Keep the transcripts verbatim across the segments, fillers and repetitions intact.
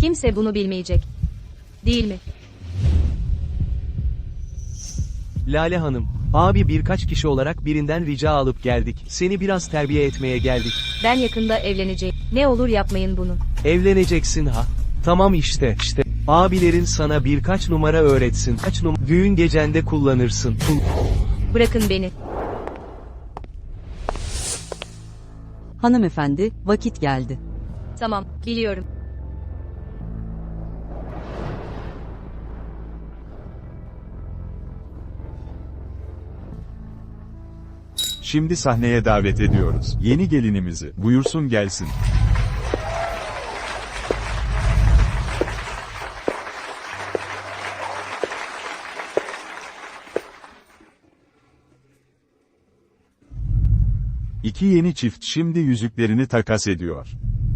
Kimse bunu bilmeyecek. Değil mi? Lale Hanım, abi birkaç kişi olarak birinden rica alıp geldik. Seni biraz terbiye etmeye geldik. Ben yakında evleneceğim. Ne olur yapmayın bunu. Evleneceksin ha. Tamam işte, işte. Abilerin sana birkaç numara öğretsin. Kaç numara düğün gecende kullanırsın. Kul- Bırakın beni. Hanımefendi, vakit geldi. Tamam, biliyorum. Şimdi sahneye davet ediyoruz. Yeni gelinimizi. Buyursun gelsin. İki yeni çift şimdi yüzüklerini takas ediyor.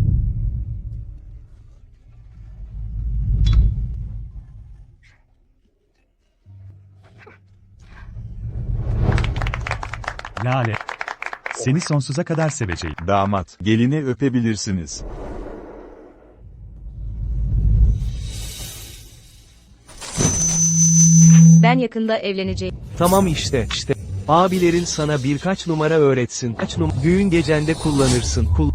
Lale. Seni sonsuza kadar seveceğim. Damat, gelini öpebilirsiniz. Ben yakında evleneceğim. Tamam işte, işte. Abilerin sana birkaç numara öğretsin. Kaç num düğün gecende kullanırsın. Kul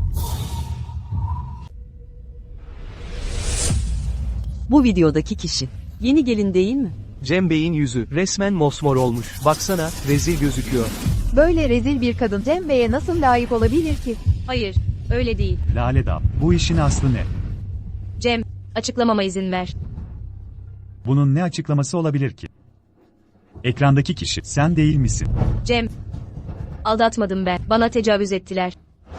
Bu videodaki kişi. Yeni gelin değil mi? Cem Bey'in yüzü resmen mosmor olmuş. Baksana, rezil gözüküyor. Böyle rezil bir kadın Cem Bey'e nasıl layık olabilir ki? Hayır, öyle değil. Lale Dal. Bu işin aslı ne? Cem, açıklamama izin ver. Bunun ne açıklaması olabilir ki? Ekrandaki kişi sen değil misin? Cem, aldatmadım ben. Bana tecavüz ettiler.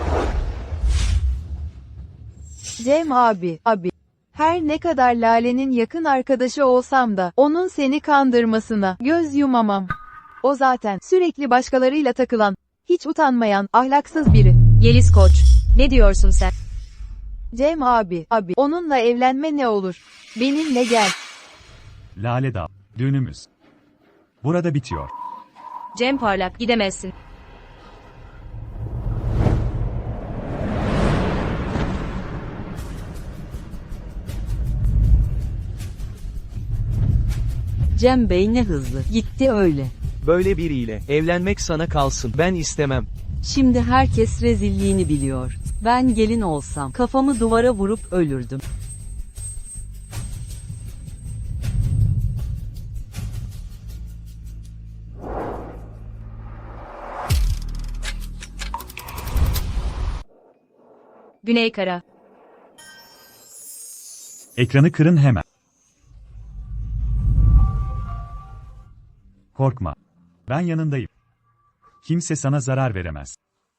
Cem abi, abi. Her ne kadar Lale'nin yakın arkadaşı olsam da onun seni kandırmasına göz yumamam. O zaten sürekli başkalarıyla takılan, hiç utanmayan, ahlaksız biri. Yeliz Koç, ne diyorsun sen? Cem abi, abi. Onunla evlenme ne olur? Benimle gel. Lale Dal. Düğünümüz. Burada bitiyor. Cem Parlak, gidemezsin. Cem Bey ne hızlı. Gitti öyle. Böyle biriyle evlenmek sana kalsın. Ben istemem. Şimdi herkes rezilliğini biliyor. Ben gelin olsam kafamı duvara vurup ölürdüm. Güney Kara. Ekranı kırın hemen. Korkma. Ben yanındayım. Kimse sana zarar veremez.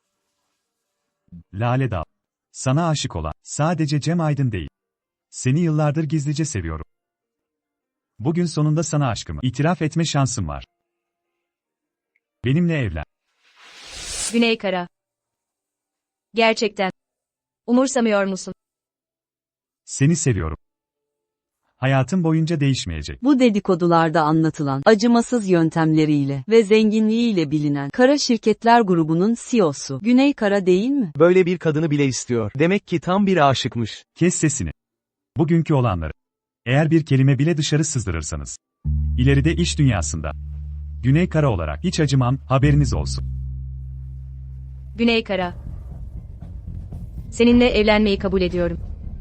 Lale Dal. Sana aşık olan sadece Cem Aydın değil. Seni yıllardır gizlice seviyorum. Bugün sonunda sana aşkımı itiraf etme şansım var. Benimle evlen. Güney Kara. Gerçekten. Umursamıyor musun? Seni seviyorum. Hayatım boyunca değişmeyecek. Bu dedikodularda anlatılan acımasız yöntemleriyle ve zenginliğiyle bilinen Kara Şirketler grubunun C E O'su Güney Kara değil mi? Böyle bir kadını bile istiyor. Demek ki tam bir aşıkmış. Kes sesini. Bugünkü olanları. Eğer bir kelime bile dışarı sızdırırsanız. İleride iş dünyasında. Güney Kara olarak hiç acımam, haberiniz olsun. Güney Kara. Seninle evlenmeyi kabul ediyorum.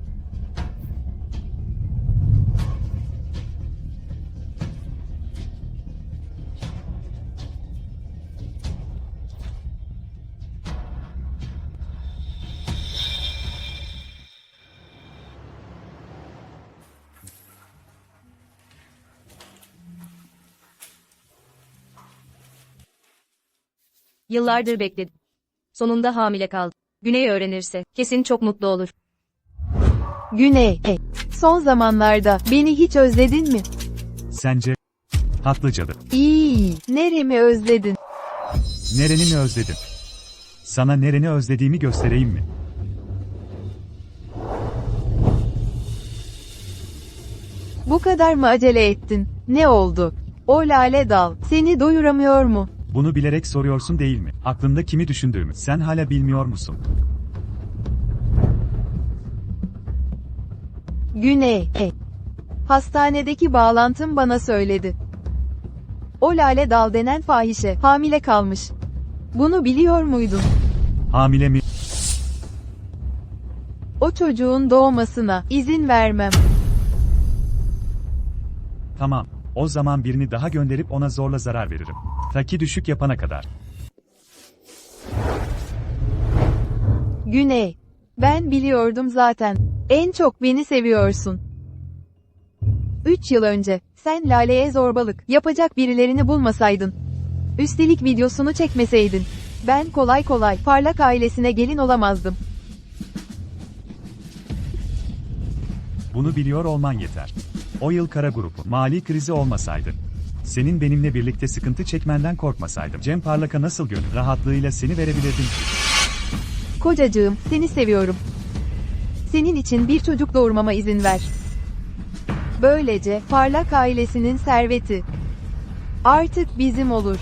Yıllardır bekledim. Sonunda hamile kaldım. Güney öğrenirse kesin çok mutlu olur. Güney, e, son zamanlarda beni hiç özledin mi? Sence? Haklı cadı. İyi, neremi özledin? Nereni mi özledin? Sana nereni özlediğimi göstereyim mi? Bu kadar mı acele ettin? Ne oldu? O Lale Dal seni doyuramıyor mu? Bunu bilerek soruyorsun değil mi? Aklında kimi düşündüğümü sen hala bilmiyor musun? Güney, he. Hastanedeki bağlantım bana söyledi. O Lale Dal denen fahişe, hamile kalmış. Bunu biliyor muydun? Hamile mi? O çocuğun doğmasına izin vermem. Tamam. O zaman birini daha gönderip ona zorla zarar veririm. Ta ki düşük yapana kadar. Güney. Ben biliyordum zaten. En çok beni seviyorsun. Üç yıl önce, sen Lale'ye zorbalık yapacak birilerini bulmasaydın. Üstelik videosunu çekmeseydin. Ben kolay kolay Parlak ailesine gelin olamazdım. Bunu biliyor olman yeter. O yıl kara grubu mali krizi olmasaydı. Senin benimle birlikte sıkıntı çekmenden korkmasaydım. Cem Parlak'a nasıl gönül rahatlığıyla seni verebilirdim ki? Kocacığım, seni seviyorum. Senin için bir çocuk doğurmama izin ver. Böylece Parlak ailesinin serveti artık bizim olur.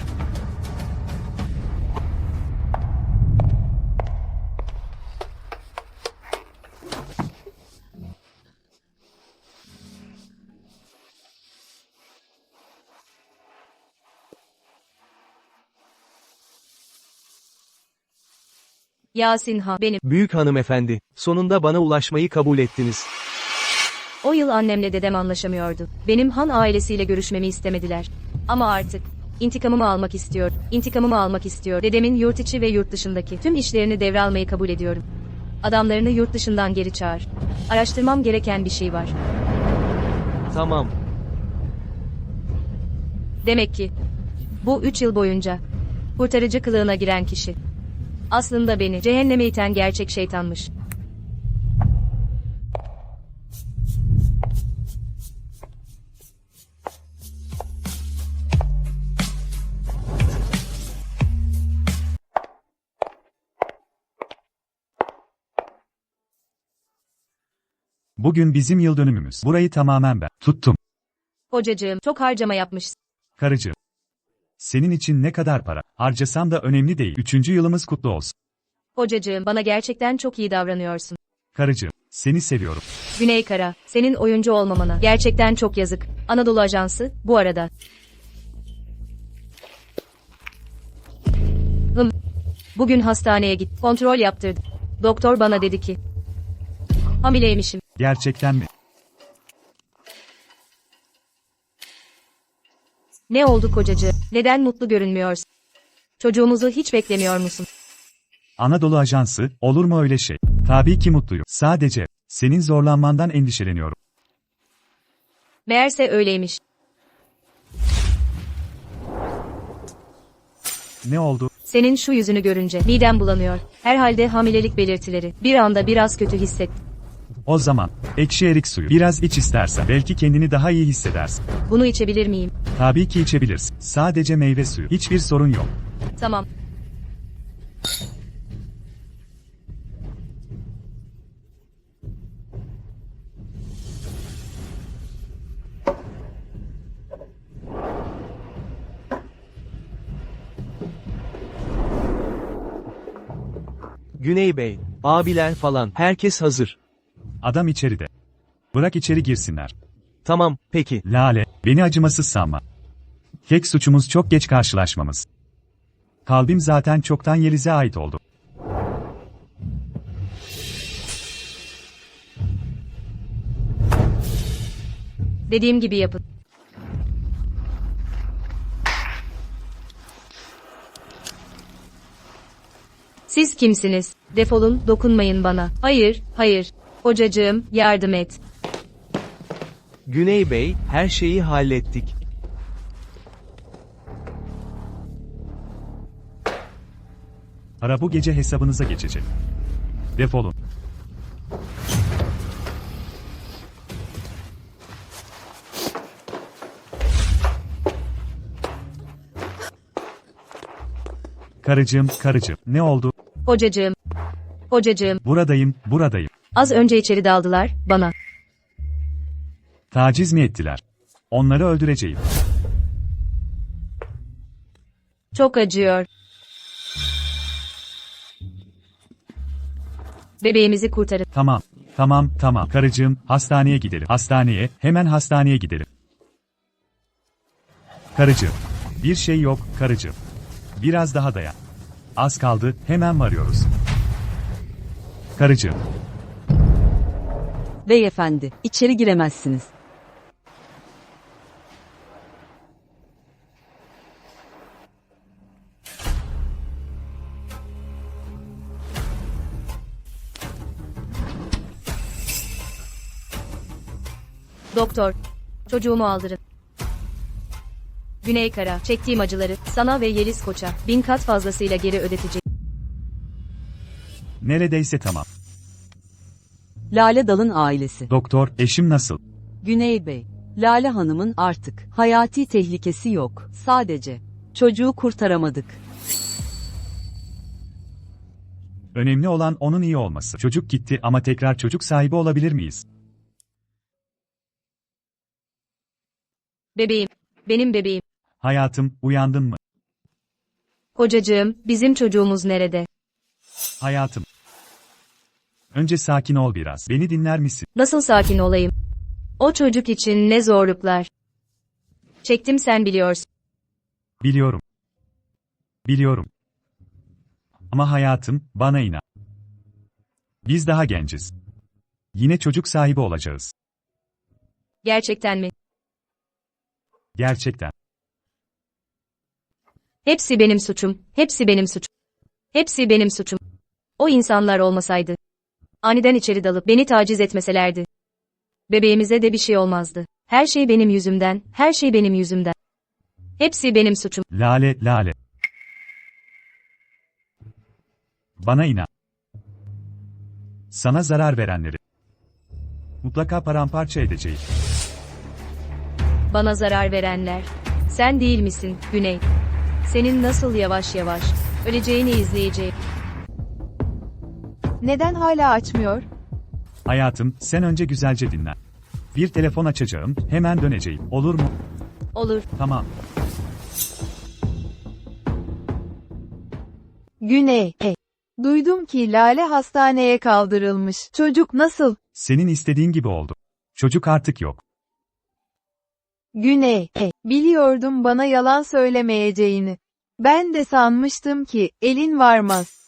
Yasin Han, benim. Büyük hanımefendi, sonunda bana ulaşmayı kabul ettiniz. O yıl annemle dedem anlaşamıyordu. Benim Han ailesiyle görüşmemi istemediler. Ama artık intikamımı almak istiyor. İntikamımı almak istiyor. Dedemin yurt içi ve yurt dışındaki tüm işlerini devralmayı kabul ediyorum. Adamlarını yurt dışından geri çağır. Araştırmam gereken bir şey var. Tamam. Demek ki bu üç yıl boyunca kurtarıcı kılığına giren kişi aslında beni cehenneme iten gerçek şeytanmış. Bugün bizim yıl dönümümüz. Burayı tamamen ben tuttum. Kocacığım, çok harcama yapmışsın. Karıcığım. Senin için ne kadar para harcasam da önemli değil. Üçüncü yılımız kutlu olsun. Kocacığım, bana gerçekten çok iyi davranıyorsun. Karıcığım, seni seviyorum. Güney Kara, senin oyuncu olmamana gerçekten çok yazık. Anadolu Ajansı, bu arada. Hım. Bugün hastaneye git, kontrol yaptırdım. Doktor bana dedi ki hamileymişim. Gerçekten mi? Ne oldu kocacığım? Neden mutlu görünmüyorsun? Çocuğumuzu hiç beklemiyor musun? Anadolu Ajansı, olur mu öyle şey? Tabii ki mutluyum. Sadece senin zorlanmandan endişeleniyorum. Meğerse öyleymiş. Ne oldu? Senin şu yüzünü görünce midem bulanıyor. Herhalde hamilelik belirtileri. Bir anda biraz kötü hissettim. O zaman ekşi erik suyu biraz iç istersen belki kendini daha iyi hissedersin. Bunu içebilir miyim? Tabii ki içebilirsin. Sadece meyve suyu. Hiçbir sorun yok. Tamam. Güney Bey, abiler falan, herkes hazır. Adam içeride. Bırak içeri girsinler. Tamam, peki. Lale, beni acımasız sanma. Tek suçumuz çok geç karşılaşmamız. Kalbim zaten çoktan Yeliz'e ait oldu. Dediğim gibi yapın. Siz kimsiniz? Defolun, dokunmayın bana. Hayır, hayır. Kocacığım, yardım et. Güney Bey, her şeyi hallettik. Para bu gece hesabınıza geçecek. Defolun. Karıcığım, karıcığım, ne oldu? Kocacığım. Kocacığım, Buradayım, buradayım. az önce içeri daldılar, bana. Taciz mi ettiler? Onları öldüreceğim. Çok acıyor. Bebeğimizi kurtarın. Tamam. Tamam, tamam. Karıcığım, hastaneye gidelim. Hastaneye, hemen hastaneye gidelim. Karıcığım. Bir şey yok, karıcığım. Biraz daha dayan. Az kaldı, hemen varıyoruz. Karıcığım. Beyefendi, içeri giremezsiniz. Doktor, çocuğumu aldırın. Güney Kara, çektiğim acıları sana ve Yeliz Koç'a bin kat fazlasıyla geri ödetecek. Neredeyse tamam. Lale Dal'ın ailesi. Doktor, eşim nasıl? Güney Bey, Lale Hanım'ın artık hayati tehlikesi yok. Sadece çocuğu kurtaramadık. Önemli olan onun iyi olması. Çocuk gitti ama tekrar çocuk sahibi olabilir miyiz? Bebeğim, benim bebeğim. Hayatım, uyandın mı? Kocacığım, bizim çocuğumuz nerede? Hayatım. Önce sakin ol biraz. Beni dinler misin? Nasıl sakin olayım? O çocuk için ne zorluklar. Çektim, sen biliyorsun. Biliyorum. Biliyorum. Ama hayatım, bana inan. Biz daha genciz. Yine çocuk sahibi olacağız. Gerçekten mi? Gerçekten. Hepsi benim suçum, hepsi benim suçum. Hepsi benim suçum. O insanlar olmasaydı. Aniden içeri dalıp beni taciz etmeselerdi. Bebeğimize de bir şey olmazdı. Her şey benim yüzümden, her şey benim yüzümden. Hepsi benim suçum. Lale, Lale. Bana inan. Sana zarar verenleri mutlaka paramparça edeceğim. Bana zarar verenler. Sen değil misin, Güney? Senin nasıl yavaş yavaş öleceğini izleyeceğim. Neden hala açmıyor? Hayatım, sen önce güzelce dinlen. Bir telefon açacağım, hemen döneceğim. Olur mu? Olur. Tamam. Güney, e. Duydum ki Lale hastaneye kaldırılmış. Çocuk nasıl? Senin istediğin gibi oldu. Çocuk artık yok. Güney, e. Biliyordum bana yalan söylemeyeceğini. Ben de sanmıştım ki elin varmaz.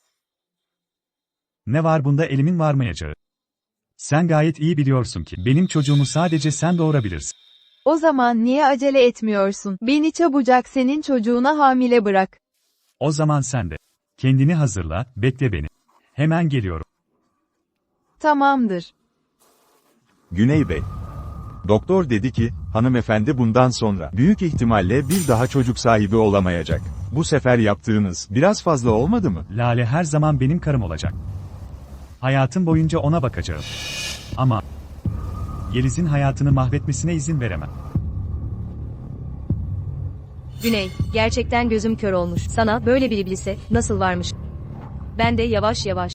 Ne var bunda elimin varmayacağı? Sen gayet iyi biliyorsun ki benim çocuğumu sadece sen doğurabilirsin. O zaman niye acele etmiyorsun? Beni çabucak senin çocuğuna hamile bırak. O zaman sen de. Kendini hazırla, bekle beni. Hemen geliyorum. Tamamdır. Güney Bey. Doktor dedi ki, hanımefendi bundan sonra büyük ihtimalle bir daha çocuk sahibi olamayacak. Bu sefer yaptığınız biraz fazla olmadı mı? Lale her zaman benim karım olacak. Hayatım boyunca ona bakacağım. Ama Yeliz'in hayatını mahvetmesine izin veremem. Güney, gerçekten gözüm kör olmuş. Sana böyle bir iblise nasıl varmış? Ben de yavaş yavaş.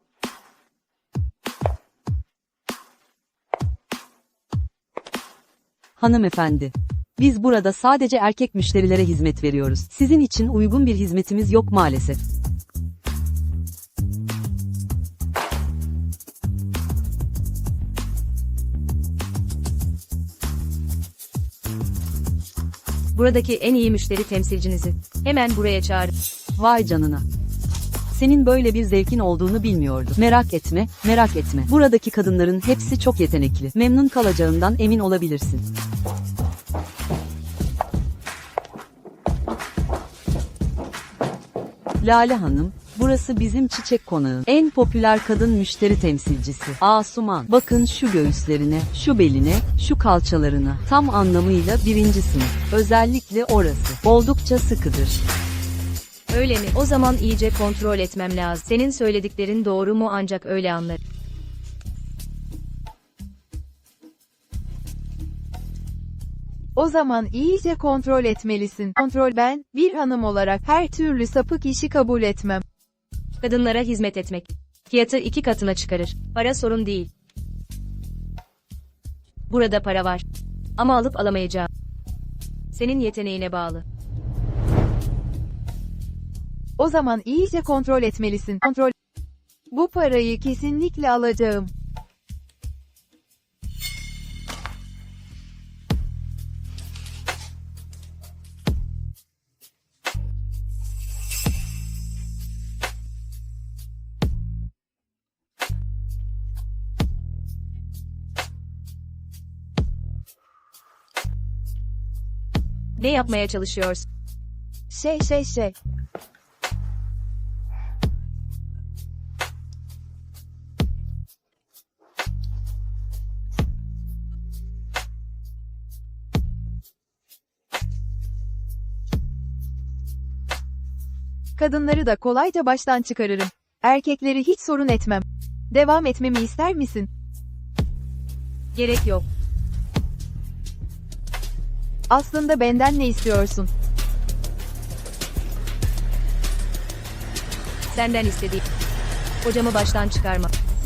Hanımefendi, biz burada sadece erkek müşterilere hizmet veriyoruz. Sizin için uygun bir hizmetimiz yok maalesef. Buradaki en iyi müşteri temsilcinizi hemen buraya çağırın. Vay canına. Senin böyle bir zevkin olduğunu bilmiyordum. Merak etme, merak etme. Buradaki kadınların hepsi çok yetenekli. Memnun kalacağından emin olabilirsin. Lale Hanım, burası bizim çiçek konağın en popüler kadın müşteri temsilcisi. Asuman, bakın şu göğüslerine, şu beline, şu kalçalarına. Tam anlamıyla birinci sınıf. Özellikle orası. Oldukça sıkıdır. Öyle mi? O zaman iyice kontrol etmem lazım. Senin söylediklerin doğru mu, ancak öyle anlarım. O zaman iyice kontrol etmelisin. Kontrol ben, bir hanım olarak her türlü sapık işi kabul etmem. Kadınlara hizmet etmek fiyatı iki katına çıkarır. Para sorun değil. Burada para var. Ama alıp alamayacağım. Senin yeteneğine bağlı. O zaman iyice kontrol etmelisin. Kontrol. Bu parayı kesinlikle alacağım. Ne yapmaya çalışıyorsun? Şey şey şey. Kadınları da kolayca baştan çıkarırım. Erkekleri hiç sorun etmem. Devam etmemi ister misin? Gerek yok. Aslında benden ne istiyorsun? Senden istediğim. Hocamı baştan çıkarma.